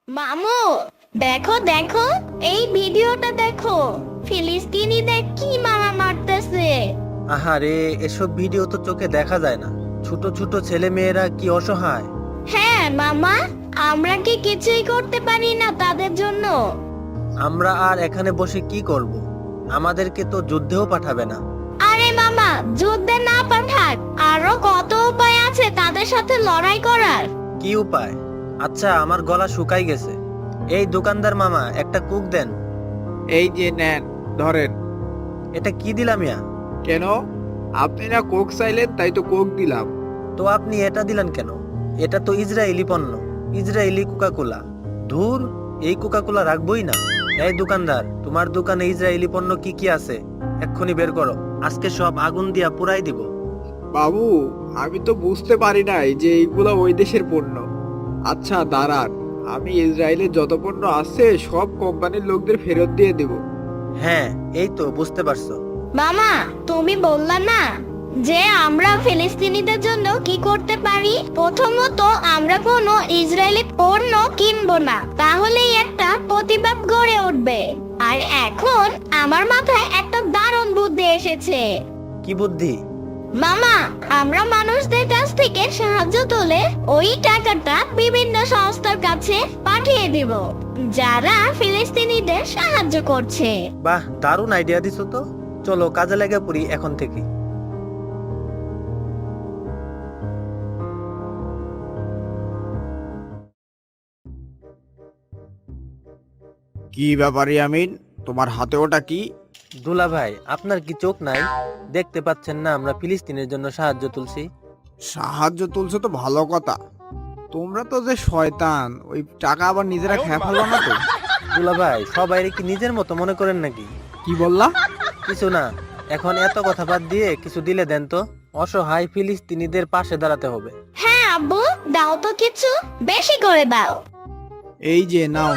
মামু, দেখো দেখো, এই ভিডিওটা দেখো। ফিলিস্তিনিদের কি মারা মারতেছে। আহারে, এসব ভিডিও তো চোখে দেখা যায় না। ছোট ছোট ছেলে মেয়েরা কি অসহায়। হ্যাঁ মামা, আমরা কি কিছুই করতে পারি না তাদের জন্য? আমরা আর এখানে বসে কি করব? আমাদেরকে তো যুদ্ধেও পাঠাবে না। আরে মামা, যুদ্ধে না পাঠাক, আরো কত উপায় আছে তাদের সাথে লড়াই করার। কি উপায়? আচ্ছা, আমার গলা শুকাই গেছে। এই দোকানদার মামা, একটা কুক দেন। এই যে নেন, ধরেন। এটা কি দিলাম ইয়া? কেন? আপনি না কোক চাইলেন, তাই তো কোক দিলাম। তো আপনি এটা দিলেন কেন? এটা তো ইসরায়েলি পণ্য, ইসরায়েলি কোকাকোলা। ধুর, এই কোকাকোলা রাখবই না। এই দোকানদার, তোমার দোকানে ইসরায়েলি পণ্য কি কি আছে? এক্ষুনি বের করো, আজকে সব আগুন দিয়া পুরাই দিব। বাবু, আমি তো বুঝতে পারি নাই যে এইগুলা ওই দেশের পণ্য। আচ্ছা দাঁড়ান, আমি ইসরায়েলের যত পণ্য আছে সব কোম্পানির লোকদের ফেরত দিয়ে দেব। হ্যাঁ, এই তো বুঝতে পারছো। মামা, তুমি বললা না যে আমরা ফিলিস্তিনিদের জন্য কি করতে পারি? প্রথমত, আমরা কোনো ইসরায়েলি পণ্য কিনবো না, তাহলেই একটা প্রতিবাদ গড়ে উঠবে। আর এখন আমার মাথায় একটা দারুণ বুদ্ধি এসেছে। কি বুদ্ধি? মামা, আমরা মানুষদের কাছ থেকে সাহায্য তুলে ওই টাকাটা বিভিন্ন সংস্থার কাছে পাঠিয়ে দিব, যারা ফিলিস্তিনিদের সাহায্য করছে। বাহ, দারুণ আইডিয়া দিছো তো। চলো কাজে লেগে পড়ি এখন থেকে। কি ব্যাপার ইয়ামিন, তোমার হাতে ওটা কি? দুলা ভাই, আপনার কি চোখ নাই? দেখতে পাচ্ছেন না আমরা ফিলিস্তিনের জন্য সাহায্য তুলছি? সাহায্য তুলছো তো ভালো কথা, তোমরা তো যে শয়তান, ওই টাকা আবার নিজেরা খেয়ে ফেলো না তো? দুলা ভাই, সবাই কি নিজের মতো মনে করেন নাকি? কি বললা? কিছু না। এখন এত কথা বাদ দিয়ে কিছু দিলে দেন তো। অসহায় ফিলিস্তিনিদের পাশে দাঁড়াতে হবে। হ্যাঁ আব্বু, দাও তো কিছু, বেশি করে দাও। এই যে নাও।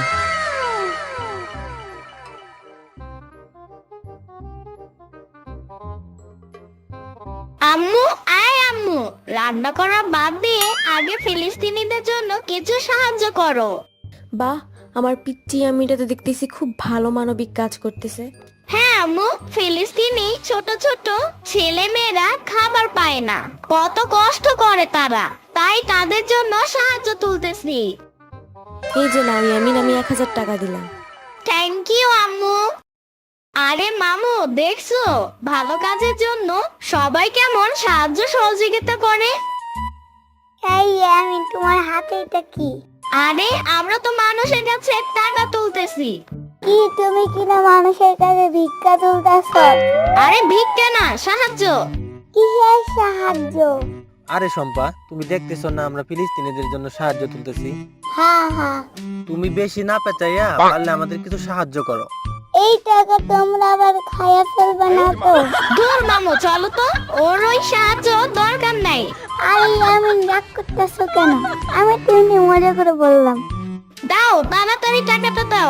আম্মু, আয় আম্মু, রান্না করা বাদ দিয়ে আগে ফিলিস্তিনিদের জন্য কিছু সাহায্য করো। বাহ, আমার পিচ্চি আমিটা তো দেখতেছি খুব ভালো মানবিক কাজ করতেছে। হ্যাঁ আম্মু, ফিলিস্তিনি ছোট ছোট ছেলে মেয়েরা খাবার পায় না, কত কষ্ট করে তারা, তাই তাদের জন্য সাহায্য তুলতেছি। এই যে নাও ইয়ামিন, আমি 1000 টাকা দিলাম। থ্যাংক ইউ আম্মু। আরে মামু, দেখছো ভালো কাজের জন্য সবাই কেমন সাহায্য সহযোগিতা করে। এই আমি তোমার হাতে এটা কি? আরে আমরা তো মানুষের কাছে টাকা তুলতেছি। কি তুমি কিনা মানুষের কাছে ভিক্ষা তুলতেছ? আরে ভিক্ষা না, সাহায্য। কিসের সাহায্য? আরে শম্পা, তুমি দেখতেছো না আমরা ফিলিস্তিনিদের জন্য সাহায্য তুলতেছি? হ্যাঁ হ্যাঁ, তুমি বেশি না পেঁচাইয়া পারলে আমাদের কিছু সাহায্য করো। এই টাকা তোমরা আবার খাইয়া ফেলবে না তো? দূর মামু, চলো তো, ওর ওই সাহায্য দরকার নাই। আরে আমি রাগ করতেছ কেন? আমি তো এমনি মজা করে বললাম। দাও, তাড়াতাড়ি টাকাটা দাও।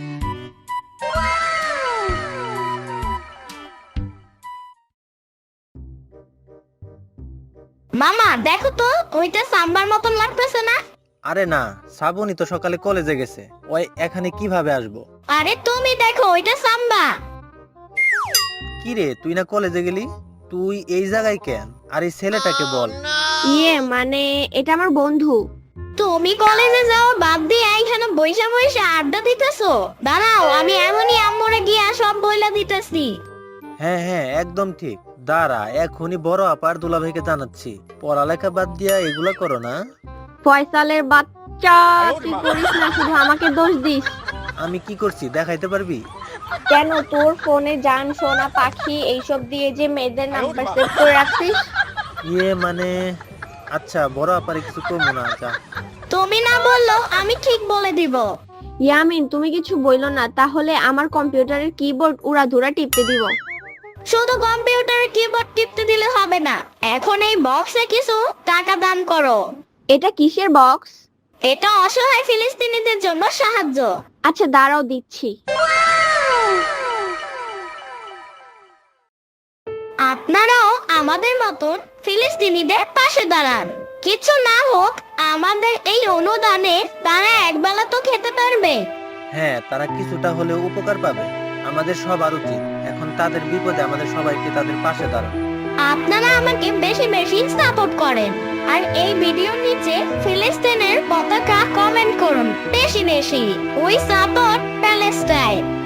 মামা দেখো তো, ওইটা সাম্বার মতন লাগতেছে না? আরে না, শ্রাবণী তো সকালে কলেজে গেছে, ওই এখানে কিভাবে আসবো? আরে তুমি দেখো, ওইটা সাম্বা। কি রে, তুই না কলেজে গেলি? তুই এই জায়গায় কেন? আর এই ছেলেটাকে বল। মানে এটা আমার বন্ধু। তুমি কলেজে যাও বাদ দিয়ে এখানে বইসা বইসা আড্ডা দিতেছো? দাঁড়াও, আমি এমনই আম্মুরে গিয়া সব বইলা দিতেছি। হ্যাঁ হ্যাঁ, একদম ঠিক। দাঁড়া, এখনই বড় আপার দুলাভাইকে জানাচ্ছি। পড়ালেখা বাদ দিয়া এগুলা করো না। ফয়সালের বাচ্চা, তুই করিস না, শুধু আমাকে দোষ দিস। আমি কি করছি দেখাইতে পারবি? কেন, তোর ফোনে জান সোনা পাখি এইসব দিয়ে যে মেয়েদের নাম্বার সেভ করে রাখছিস? মানে, আচ্ছা বড় আপারে কিছু করবো না। আচ্ছা, তুমি না বললো আমি ঠিক বলে দিব। ইয়ামিন, তুমি কিছু বইলো না, তাহলে আমার কম্পিউটারের কিবোর্ড উড়াধুরা টিপতে দিব। শুধু কম্পিউটারের কিবোর্ড টিপতে দিলে হবে না, এখন এই বক্সে কিছু টাকা দান করো। এটা কিসের বক্স? এটা অসহায় ফিলিস্তিনিদের জন্য সাহায্য। আচ্ছা দাঁড়াও, দিচ্ছি। আপনারাও আমাদের মতন ফিলিস্তিনিদের পাশে দাঁড়ান। কিছু না হোক, আমাদের এই অনুদানে তারা একবেলা তো খেতে পারবে। হ্যাঁ, তারা কিছুটা হলেও উপকার পাবে। আমাদের সবার উচিত এখন তাদের বিপদে আমাদের সবাইকে তাদের পাশে দাঁড়ানো। আপনারা আমাকে বেশি বেশি সাপোর্ট করেন আর এই ভিডিওর নিচে ফিলিস্তিনের পতাকা কমেন্ট করুন বেশি বেশি। We support Palestine.